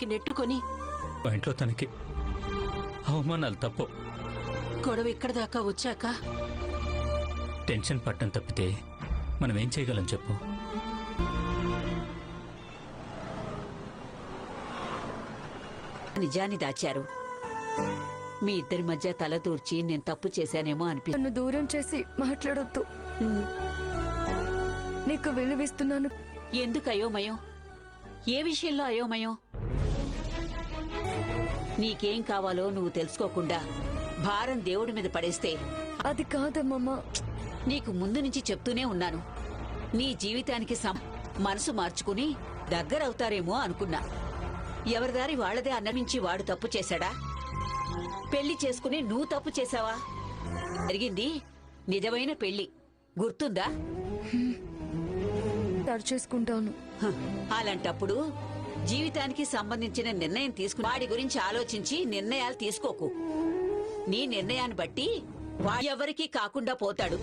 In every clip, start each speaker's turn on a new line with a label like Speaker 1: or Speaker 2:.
Speaker 1: లోపలికి నెట్టుకొని
Speaker 2: మా ఇంట్లో తనకి అవమానాలు తప్పు.
Speaker 1: గొడవ ఇక్కడ దాకా వచ్చాక
Speaker 2: టెన్షన్ పట్టడం తప్పితే మనం ఏం చేయగలం చెప్పు?
Speaker 3: నిజాన్ని దాచారు. మీ ఇద్దరి మధ్య తల దూర్చి నేను తప్పు చేశానేమో
Speaker 4: నన్ను దూరం చేసి మాట్లాడొద్దు. నీకు విలువిస్తున్నాను.
Speaker 3: ఎందుకు అయోమయం? ఏ విషయంలో అయోమయం? నీకేం కావాలో నువ్వు తెలుసుకోకుండా భారం దేవుడి మీద పడేస్తే
Speaker 4: అది కాదమ్మా.
Speaker 3: నీకు ముందు నుంచి చెప్తూనే ఉన్నాను. నీ జీవితానికి మనసు మార్చుకుని దగ్గరవుతారేమో అనుకున్నా. ఎవరిదారి వాళ్లదే అన్నమించి వాడు తప్పు చేశాడా? పెళ్లి చేసుకుని నువ్వు తప్పు చేశావా? జరిగింది నిజమైన పెళ్లి, గుర్తుందా?
Speaker 4: చేసుకుంటాను.
Speaker 3: అలాంటప్పుడు జీవితానికి సంబంధించిన నిర్ణయం తీసుకుని వాడి గురించి ఆలోచించి నిర్ణయాలు తీసుకోకు. నీ నిర్ణయాన్ని బట్టి ఎవరికీ కాకుండా పోతాడు.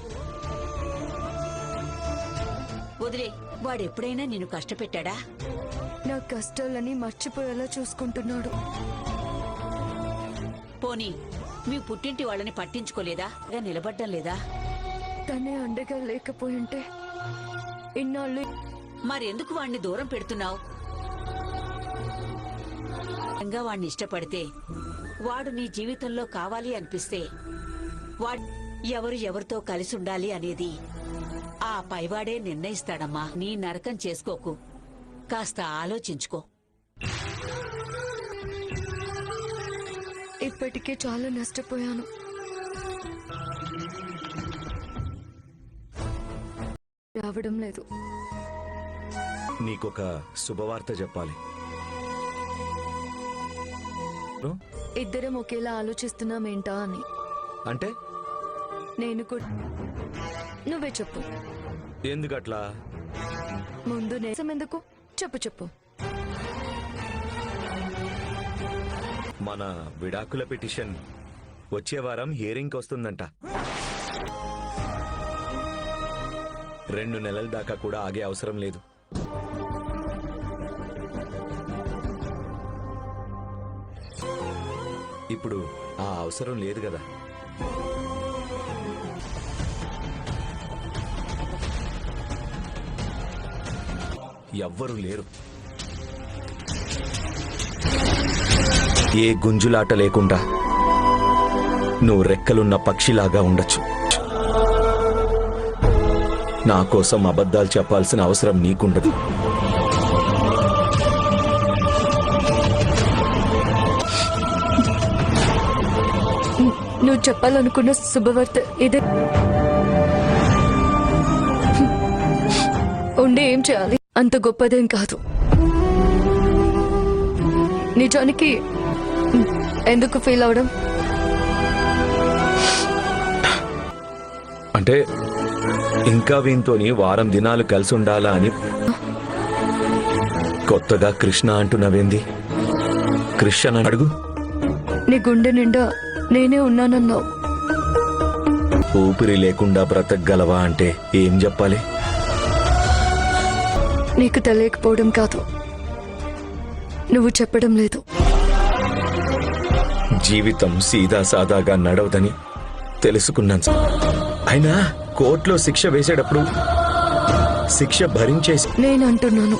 Speaker 3: వదిలే. వాడెప్పుడైనా నిన్ను కష్టపెట్టాడా?
Speaker 4: నా కష్టాలని మర్చిపోయేలా చూసుకుంటున్నాడు.
Speaker 3: పోనీ మీ పుట్టింటి వాళ్ళని పట్టించుకోలేదా? నిలబడ్డం లేదా?
Speaker 4: తనే అండగా లేకపోయింటే ఇన్నాళ్ళు.
Speaker 3: మరెందుకు వాణ్ణి దూరం పెడుతున్నావు? వాణ్ణి ఇష్టపడితే, వాడు నీ జీవితంలో కావాలి అనిపిస్తే, వాడు ఎవరితో కలిసి ఉండాలి అనేది ఆ పైవాడే నిర్ణయిస్తాడమ్మా. నీ నరకం చేసుకోకు. కాస్త ఆలోచించుకో.
Speaker 4: ఇప్పటికే చాలా నష్టపోయాను. రావడం లేదు.
Speaker 5: నీకొక శుభవార్త చెప్పాలి.
Speaker 4: ఇద్దరం ఒకేలా ఆలోచిస్తున్నామేంటా అని.
Speaker 5: అంటే
Speaker 4: నేను కూడా. నువ్వే చెప్పు.
Speaker 5: ఎందుకట్లా?
Speaker 4: ముందు ఎందుకు చెప్పు.
Speaker 5: మన విడాకుల పిటిషన్ వచ్చే వారం హియరింగ్కి వస్తుందంట. 2 నెలల దాకా కూడా ఆగే అవసరం లేదు. ఇప్పుడు ఆ అవసరం లేదు కదా. ఎవ్వరూ లేరు. ఏ గుంజులాట లేకుండా నువ్వు రెక్కలున్న పక్షిలాగా ఉండొచ్చు. నా కోసం అబద్ధాలు చెప్పాల్సిన అవసరం నీకుండదు.
Speaker 4: నువ్వు చెప్పాలనుకున్న శుభవార్త ఇదే. ఉండి ఏం చేయాలి? అంత గొప్పదేం కాదు. నిజానికి ఎందుకు ఫీల్ అవడం?
Speaker 5: అంటే ఇంకా వీంతోని వారం దినాలు కలిసి ఉండాలా అని. కొత్తగా కృష్ణ అంటున్నావేంది? కృష్ణ అడుగు.
Speaker 4: నీ గుండె నిండా నేనే ఉన్నానన్నావు.
Speaker 5: ఊపిరి లేకుండా బ్రతకగలవా అంటే ఏం చెప్పాలి?
Speaker 4: నీకు తెలియకపోవడం కాదు, నువ్వు చెప్పడం లేదు.
Speaker 5: జీవితం సీదా సాదాగా నడవదని తెలుసుకున్నాను. అయినా కోర్టులో శిక్ష వేసేటప్పుడు శిక్ష భరించేసి
Speaker 4: నేను అంటున్నాను.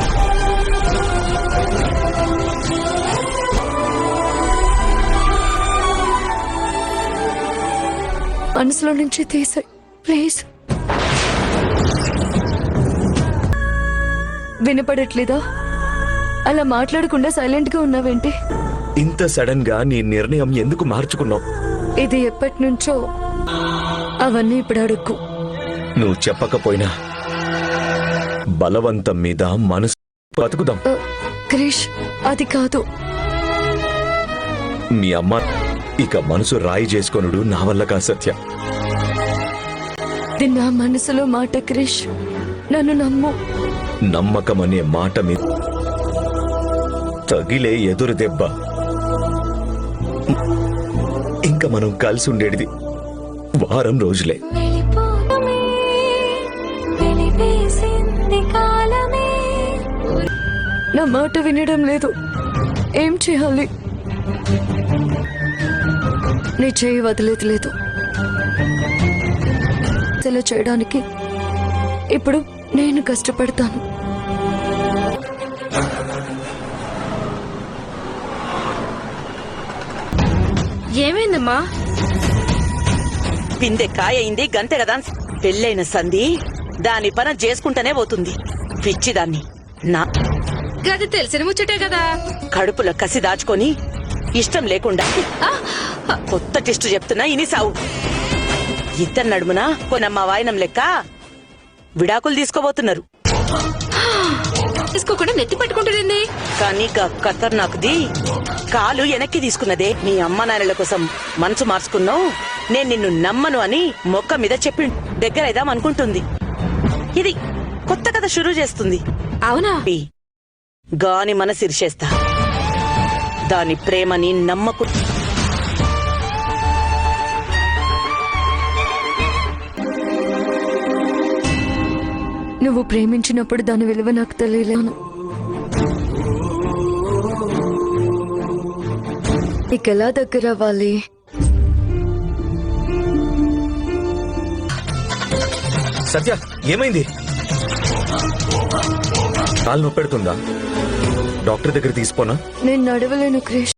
Speaker 4: మనసులో నుంచి తీసే ప్లీజ్. వినపడట్లేదా? అలా మాట్లాడకుండా సైలెంట్ గా ఉన్నావేంటి?
Speaker 5: ఇంత సడన్ గా నీ నిర్ణయం ఎందుకు మార్చుకున్నావు?
Speaker 4: ఇది ఎప్పటి నుంచో. అవన్నీ ఇప్పుడు అడుక్కు.
Speaker 5: నువ్వు చెప్పకపోయినా బలవంతం మీద మనసు బతుకుదాం.
Speaker 4: క్రిష్, అది కాదు.
Speaker 5: మీ అమ్మ ఇక మనసు రాయి చేసుకొనుడు నా వల్ల కా సత్య.
Speaker 4: ఇది నా మనసులో మాట క్రిష్, నన్ను నమ్ము.
Speaker 5: నమ్మకం అనే మాట మీద తగిలే ఎదురు దెబ్బ. ఇంకా మనం కలిసి ఉండేది వారం రోజులే.
Speaker 4: నా మాట వినడం లేదు. ఏం చేయాలి? నీ చేయి వదిలేదు లేదు. ఇలా చేయడానికి ఇప్పుడు నేను కష్టపడతాను. ఏమైందమ్మా?
Speaker 6: పిందె కాయయింది గంతే కదా. పెళ్ళైన సంధి దాని పని చేసుకుంటూనే పోతుంది. పిచ్చిదాన్ని. నా
Speaker 4: గది తెలిసిన ముచ్చటే కదా.
Speaker 6: కడుపులో కసి దాచుకొని ఇష్టం లేకుండా కొత్త టెస్ట్ చెప్తున్నా ఇని సావు. ఇద్దరు నడుమున కొనమ్మ వాయనం లెక్క విడాకులు తీసుకోబోతున్నారు.
Speaker 4: తీసుకోకుండా నెత్తి పట్టుకుంటుంది.
Speaker 6: కానీ ఖతర్నాకుది కాలు వెనక్కి తీసుకున్నదే. నీ అమ్మ నాన్నల కోసం మనసు మార్చుకున్నావు. నేను నిన్ను నమ్మను అని మొక్క మీద చెప్పి దగ్గరైదాం అనుకుంటుంది. ఇది కొత్త కథ షురూ చేస్తుంది.
Speaker 4: అవునా?
Speaker 6: గాని మనసు ఇరిచేస్తా. దాని ప్రేమని నమ్మకు.
Speaker 4: నువ్వు ప్రేమించినప్పుడు దాని విలువ నాకు తెలియలేను. నీకెలా దగ్గర అవ్వాలి?
Speaker 5: సత్య ఏమైంది? కాలు నొప్పెడుతుందా? డాక్టర్ దగ్గర తీసుకోనా?
Speaker 4: నేను నడవలేను క్రిష్.